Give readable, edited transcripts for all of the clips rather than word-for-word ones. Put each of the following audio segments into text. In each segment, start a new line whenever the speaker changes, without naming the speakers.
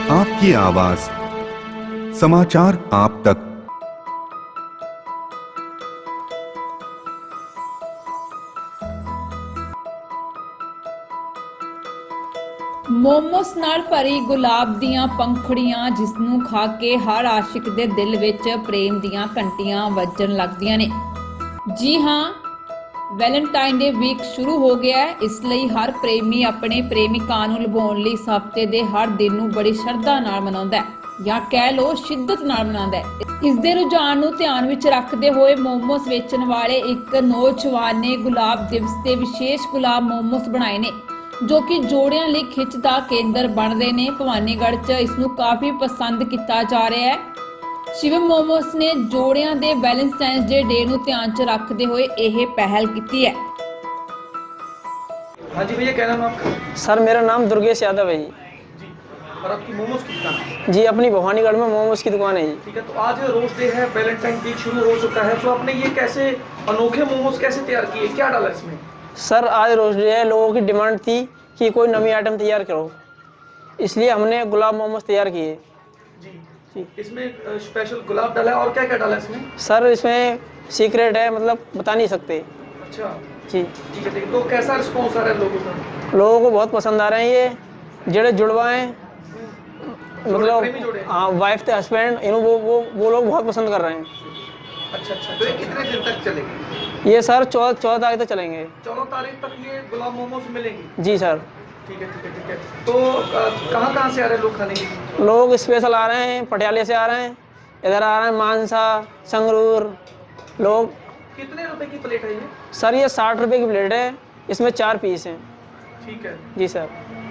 आपकी आवाज, समाचार आप तक।
ਮੋਮੋਸ ਨਾਲ ਭਰੀ ਗੁਲਾਬ ਦੀਆਂ ਪੰਖੜੀਆਂ, ਜਿਸ ਨੂੰ ਖਾ ਕੇ ਹਰ ਆਸ਼ਿਕ ਦੇ ਦਿਲ ਵਿੱਚ ਪ੍ਰੇਮ ਦੀਆਂ ਘੰਟੀਆਂ ਵੱਜਣ ਲੱਗਦੀਆਂ ਨੇ। ਜੀ ਹਾਂ, ਵੈਲੈਂਟਾਈਨ ਡੇ ਵੀਕ ਸ਼ੁਰੂ ਹੋ ਗਿਆ ਹੈ। ਇਸ ਲਈ ਹਰ ਪ੍ਰੇਮੀ ਆਪਣੇ ਪ੍ਰੇਮਿਕਾ ਨੂੰ ਲੁਭਾਉਣ ਲਈ ਇਸ ਹਫ਼ਤੇ ਦੇ ਹਰ ਦਿਨ ਨੂੰ ਬੜੀ ਸ਼ਰਧਾ ਨਾਲ ਮਨਾਉਂਦਾ ਹੈ, ਜਾਂ ਕਹਿ ਲਓ ਸ਼ਿੱਦਤ ਨਾਲ ਮਨਾਉਂਦਾ ਹੈ। ਇਸ ਦੇ ਰੁਝਾਨ ਨੂੰ ਧਿਆਨ ਵਿੱਚ ਰੱਖਦੇ ਹੋਏ ਮੋਮੋਸ ਵੇਚਣ ਵਾਲੇ ਇੱਕ ਨੌਜਵਾਨ ਨੇ ਗੁਲਾਬ ਦਿਵਸ ਤੇ ਵਿਸ਼ੇਸ਼ ਗੁਲਾਬ ਮੋਮੋਸ ਬਣਾਏ ਨੇ, ਜੋ ਕਿ ਜੋੜਿਆਂ ਲਈ ਖਿੱਚ ਦਾ ਕੇਂਦਰ ਬਣਦੇ ਨੇ। ਭਵਾਨੀਗੜ੍ਹ 'ਚ ਇਸ ਨੂੰ ਕਾਫੀ ਪਸੰਦ ਕੀਤਾ ਜਾ ਰਿਹਾ ਹੈ। ਸ਼ਿਵਮ ਮੋਮੋਸ ਨੇ ਜੋੜਿਆਂ ਦੇ ਵੈਲੈਂਟਾਈਨਸ ਡੇ ਨੂੰ ਧਿਆਨ 'ਚ ਰੱਖਦੇ ਹੋਏ ਇਹ ਪਹਿਲ ਕੀਤੀ है।
हाँ जी भैया, क्या नाम है आपका?
सर मेरा नाम दुर्गेश यादव है जी।
जी। और आपकी मोमोज की दुकान है?
जी, अपनी भवानीगढ़ में मोमोज की दुकान है जी।
ठीक है, तो आज रोज डे है, वैलेंटाइन वीक शुरू हो चुका है, तो आपने ये कैसे अनोखे मोमोज कैसे तैयार किए, क्या डाला इसमें?
सर आज रोज डे है, लोगों की डिमांड थी कि कोई नवी आइटम तैयार करो, इसलिए हमने गुलाब मोमोज तैयार किए।
जी जी। इसमें स्पेशल गुलाब डाला है, और क्या क्या डाला है इसमें?
सर इसमें सीक्रेट है, मतलब बता नहीं सकते।
अच्छा
जी
ठीक है ठीक है। तो कैसा रिस्पॉन्स आ रहा है लोगों का?
लोगों को बहुत पसंद आ रहे हैं ये जेड़े जुड़वा हैं,
प्रेमी जोड़े?
मतलब हाँ, वाइफ थे हस्बैंड, इन वो लोग बहुत पसंद कर रहे हैं।
अच्छा अच्छा। तो ये कितने दिन तक चलेगी?
ये सर 14 तारीख तक चलेंगे।
14 तारीख तक ये गुलाब मोमोज मिलेंगे?
जी सर।
ठीक है ठीक है ठीक है। तो कहाँ कहाँ से आ रहे हैं लोग खाने के लिए?
लोग स्पेशल आ रहे हैं, पटियाले से आ रहे हैं, इधर आ रहे हैं मानसा, संगरूर लोग।
कितने रुपए की प्लेट है ये?
सर ये 60 रुपए की प्लेट है, इसमें 4 पीस हैं।
ठीक है
जी सर।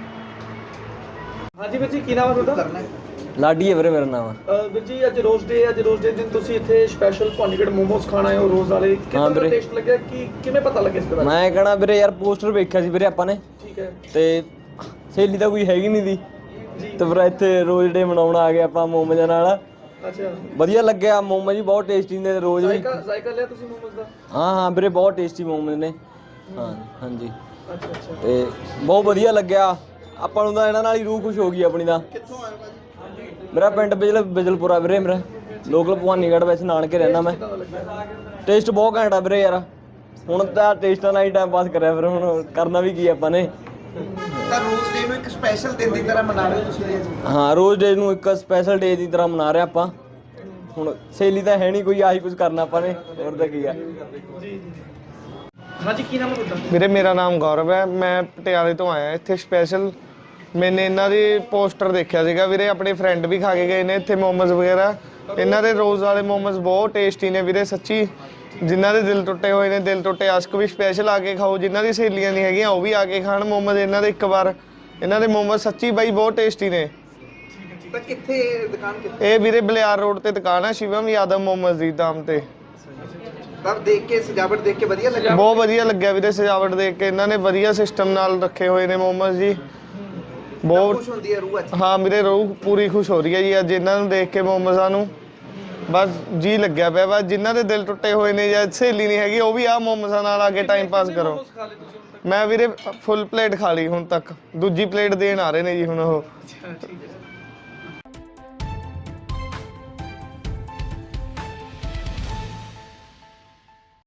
हाँ जी ਵੀਰ ਜੀ, ਕੀ ਨਾਮ ਹੈ ਤੁਹਾਡਾ?
ਲਾਡੀ ਹੈ ਵੀਰੇ ਮੇਰਾ ਨਾਮ।
ਵੀਰ ਜੀ ਅੱਜ ਰੋਜ਼ ਡੇ ਦਿਨ ਤੁਸੀਂ ਇੱਥੇ ਸਪੈਸ਼ਲ ਭਵਾਨੀਗੜ੍ਹ ਮੋਮੋਸ ਖਾਣ ਆਏ ਹੋ ਰੋਜ਼ ਵਾਲੇ, ਕਿੰਨਾ
ਵੀਰੇ।
ਟੇਸਟ ਲੱਗਿਆ, ਕੀ ਕਿਵੇਂ ਪਤਾ ਲੱਗਿਆ ਇਸ ਦੇ ਬਾਰੇ?
ਮੈਂ ਕਹਣਾ ਵੀਰੇ ਯਾਰ ਪੋਸਟਰ ਵੇਖਿਆ ਸੀ ਵੀਰੇ ਆਪਾਂ ਨੇ,
ਠੀਕ ਹੈ
ਤੇ ਸਹੇਲੀ ਤਾਂ ਕੋਈ ਹੈਗੀ ਨਹੀਂ ਦੀ,
ਜੀ।
ਤੇ ਫਿਰ ਇੱਥੇ ਰੋਜ਼ ਡੇ ਮਨਾਉਣ ਆ ਗਏ ਆਪਾਂ ਮੋਮੋਜ਼ਾਂ ਨਾਲ।
ਅੱਛਾ,
ਵਧੀਆ ਲੱਗਿਆ, ਮੋਮੋਜ਼ ਵੀ ਬਹੁਤ ਟੇਸਟੀ ਨੇ ਰੋਜ਼ ਵੀ।
ਜ਼ਾਇਕਾ ਲਿਆ ਤੁਸੀਂ ਮੋਮੋਸ ਦਾ?
ਹਾਂ ਵੀਰੇ ਬਹੁਤ ਟੇਸਟੀ ਮੋਮੋਜ਼ ਨੇ। ਹਾਂ ਹਾਂਜੀ,
ਅੱਛਾ ਅੱਛਾ।
ਤੇ ਬਹੁਤ ਵਧੀਆ ਲੱਗਿਆ ਆਪਾਂ ਨੂੰ ਤਾਂ, ਇਹਨਾਂ ਨਾਲ ਹੀ ਰੂਹ ਖੁਸ਼ ਹੋ ਗਈ ਆਪਣੀ ਦਾ।
ਕਿੱਥੋਂ ਆਏ ਭਾਜੀ?
ਮੇਰਾ ਪਿੰਡ ਬਿਜਲਪੁਰਾ ਵੀਰੇ, ਮੇਰਾ ਲੋਕਲ ਭਵਾਨੀਗੜ੍ਹ ਵਿੱਚ ਨਾਨਕੇ ਰਹਿਣਾ ਮੈਂ।
ਕਿੱਦਾਂ ਦਾ ਲੱਗਿਆ?
ਟੇਸਟ ਬਹੁਤ ਘੈਂਟ ਆ ਵੀਰੇ ਯਾਰ, ਹੁਣ ਤਾਂ ਟੇਸਟਾਂ ਨਾਲ ਹੀ ਟਾਈਮ ਪਾਸ ਕਰਿਆ, ਫਿਰ ਹੁਣ ਕਰਨਾ ਵੀ ਕੀ ਆਪਾਂ ਨੇ।
ਤਾਂ ਰੋਜ਼ ਡੇ ਨੂੰ ਇੱਕ ਸਪੈਸ਼ਲ ਦਿਨ ਦੀ ਤਰ੍ਹਾਂ ਮਨਾ ਰਹੇ ਹੋ ਤੁਸੀਂ?
ਹਾਂ, ਰੋਜ਼ ਡੇ ਨੂੰ ਇੱਕ ਸਪੈਸ਼ਲ ਡੇ ਦੀ ਤਰ੍ਹਾਂ ਮਨਾ ਰਹੇ ਆਪਾਂ। ਹੁਣ ਸਹੇਲੀ ਤਾਂ ਹੈ ਨਹੀਂ ਕੋਈ, ਆਹੀ ਕੁਝ ਕਰਨਾ ਆਪਾਂ ਨੇ, ਹੋਰ ਤਾਂ ਕੀ ਆ।
ਜੀ हाँ जी, ਕੀ ਨਾਮ ਹੈ ਤੁਹਾਡਾ?
ਵੀਰੇ ਮੇਰਾ ਨਾਮ ਗੌਰਵ ਹੈ, ਮੈਂ ਪਟਿਆਲੇ ਤੋਂ ਆਇਆ ਇੱਥੇ ਸਪੈਸ਼ਲ। ਮੈਨੇ ਇਹਨਾਂ ਦੀ ਪੋਸਟਰ ਦੇਖਿਆ ਸੀਗਾ ਵੀਰੇ, ਆਪਣੇ ਫਰੈਂਡ ਵੀ ਖਾ ਕੇ ਗਏ ਨੇ ਇੱਥੇ ਮੋਮੋਜ਼ ਵਗੈਰਾ। ਇਹਨਾਂ ਦੇ ਰੋਜ਼ ਵਾਲੇ ਮੋਮੋਜ਼ ਬਹੁਤ ਟੇਸਟੀ ਨੇ ਵੀਰੇ, ਸੱਚੀ। ਜਿਨ੍ਹਾਂ ਦੇ ਦਿਲ ਟੁੱਟੇ ਹੋਏ ਨੇ, ਦਿਲ ਟੁੱਟੇ ਆਸ਼ਕ ਵੀ ਸਪੈਸ਼ਲ ਆ ਕੇ ਖਾਓ, ਜਿਨ੍ਹਾਂ ਦੀ ਸਹੇਲੀਆਂ ਨਹੀਂ ਹੈਗੀਆਂ ਉਹ ਵੀ ਆ ਕੇ ਖਾਣ ਮੋਮੋਜ਼ ਇਹਨਾਂ ਦੇ ਇੱਕ ਵਾਰ। ਇਹਨਾਂ ਦੇ ਮੋਮੋਜ਼ ਸੱਚੀ ਬਾਈ ਬਹੁਤ ਟੇਸਟੀ ਨੇ।
ਤਾਂ ਕਿੱਥੇ ਦੁਕਾਨ ਕਿੱਥੇ?
ਇਹ ਵੀਰੇ ਬਲਿਆਰ ਰੋਡ ਤੇ ਦੁਕਾਨ ਹੈ, ਸ਼ਿਵਮ ਯਾਦਵ ਮੋਮੋਜ਼ ਦੀ ਨਾਮ ਤੇ।
ਤਾਂ ਦੇਖ ਕੇ ਸਜਾਵਟ ਦੇਖ ਕੇ ਵਧੀਆ ਲੱਗਿਆ?
ਬਹੁਤ ਵਧੀਆ ਲੱਗਿਆ ਵੀਰੇ, ਸਜਾਵਟ ਦੇਖ ਕੇ। ਇਹਨਾਂ ਨੇ ਵਧੀਆ ਸਿਸਟਮ ਨਾਲ ਰੱਖੇ ਹੋਏ ਨੇ ਮੋਮੋਜ਼ ਜੀ, ਬਹੁਤ
ਖੁਸ਼ ਹੁੰਦੀ ਹੈ ਰੂਹ ਅੱਜ?
ਹਾਂ ਮੇਰੇ ਰੂਹ ਪੂਰੀ ਖੁਸ਼ ਹੋ ਰਹੀ ਹੈ ਜੀ ਅੱਜ ਇਹਨਾਂ ਨੂੰ ਦੇਖ ਕੇ, ਮੋਮੋਜ਼ਾਂ ਨੂੰ। ਬਸ ਜੀ ਲੱਗਿਆ ਪਿਆ, ਬਸ ਜਿਨ੍ਹਾਂ ਦੇ ਦਿਲ ਟੁੱਟੇ ਹੋਏ ਨੇ ਜਾਂ ਸਹੇਲੀ ਨਹੀਂ ਹੈਗੀ ਉਹ ਵੀ ਆਹ ਮੋਮੋਜ਼ਾਂ ਨਾਲ ਆ ਕੇ ਟਾਈਮ ਪਾਸ ਕਰੋ।
ਮੋਮੋਸ ਖਾ ਲਏ ਤੁਸੀਂ ਹੁਣ ਤੱਕ?
ਮੈਂ ਵੀਰੇ ਫੁੱਲ ਪਲੇਟ ਖਾ ਲਈ ਹੁਣ ਤੱਕ, ਦੂਜੀ ਪਲੇਟ ਦੇਣ ਆ ਰਹੇ ਨੇ ਜੀ ਹੁਣ ਉਹ।
ਅੱਛਾ ਠੀਕ ਹੈ।